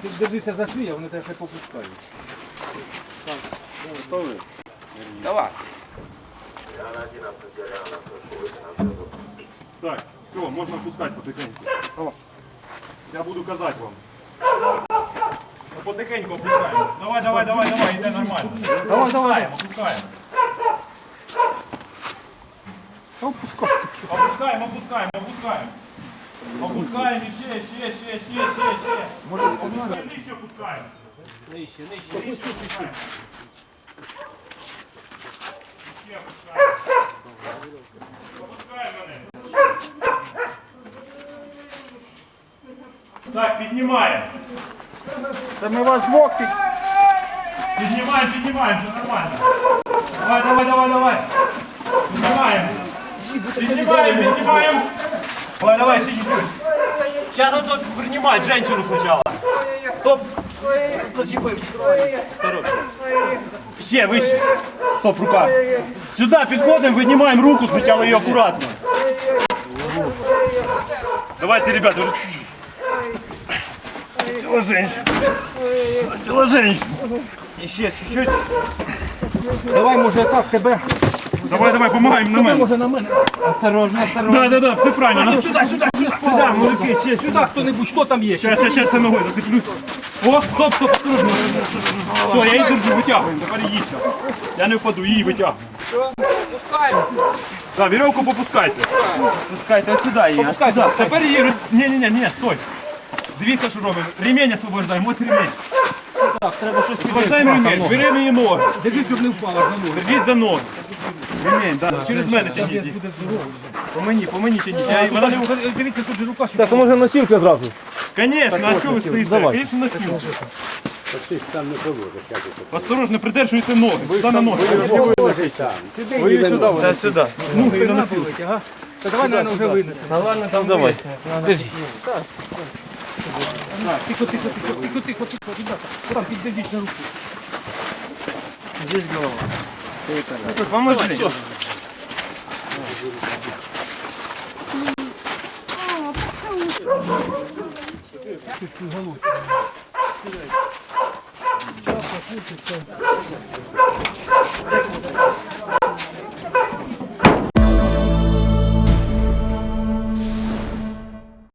Тут держися за шию, а вони тебе ще попускають. Готові? Давай. Так, все, можна пускати потихеньку. Я буду казати вам. Потихеньку опускаємо. Давай, йде нормально. Давай. Опускаємо. Опускаємо. Опускаємо ще. Нижче опускаємо. Нижче. Опускаємо. Опускаємо мене. Так, піднімаємо. Та ми вас звук Піднімаємо, все нормально. Давай. Піднімаємо. Давай, ще чуть-чуть. Сейчас он тут принимает женщину сначала. Стоп. Зачепився. Ще вище. Стоп, рука. Сюда підходимо, винимаем руку, сначала ее аккуратно. Давайте, ребята, уже чуть-чуть. Тело женщин. Еще чуть-чуть. Давай, може, так тебе. Давай, помогаем на мене. Може на мене. Осторожно. Да, все правильно. Сюда, мужики, ще Сюди хто-небудь, що там є? Сейчас я ногой зацеплюсь. О, стоп, осторожно. Все, я її держу, витягуємо, тепер її зараз. Я не впаду, її витягую. Пускаємо. Так, веревку попускайте. Пускайте, ось сюди її. Попускайте. Тепер її, ні, стой. Дивіться, що робимо. Ремень освобождаємо, ось ремень. Так, треба щось Освобождаємо ремень, беремо її ноги. Держи, щоб не впала за ноги. Держіть за ноги. Ремень, да, через мене тягніть. По мені тягніть. Вона не... Дивіться, тут же рука. Так, а може носілка зразу? Конечно, а чого ви стоїте? давай. Конечно, носілка. Осторожно, придержуйте ноги. Сюди на ноги. Ви її сюди. Да, сюди. Ноги на носилки, ага. Та давай, наверное, вже винесемо. Ну ладно, там давай. Держи. Тихо, ребята. Там піддержіть на руку. Здесь голова. Поможи.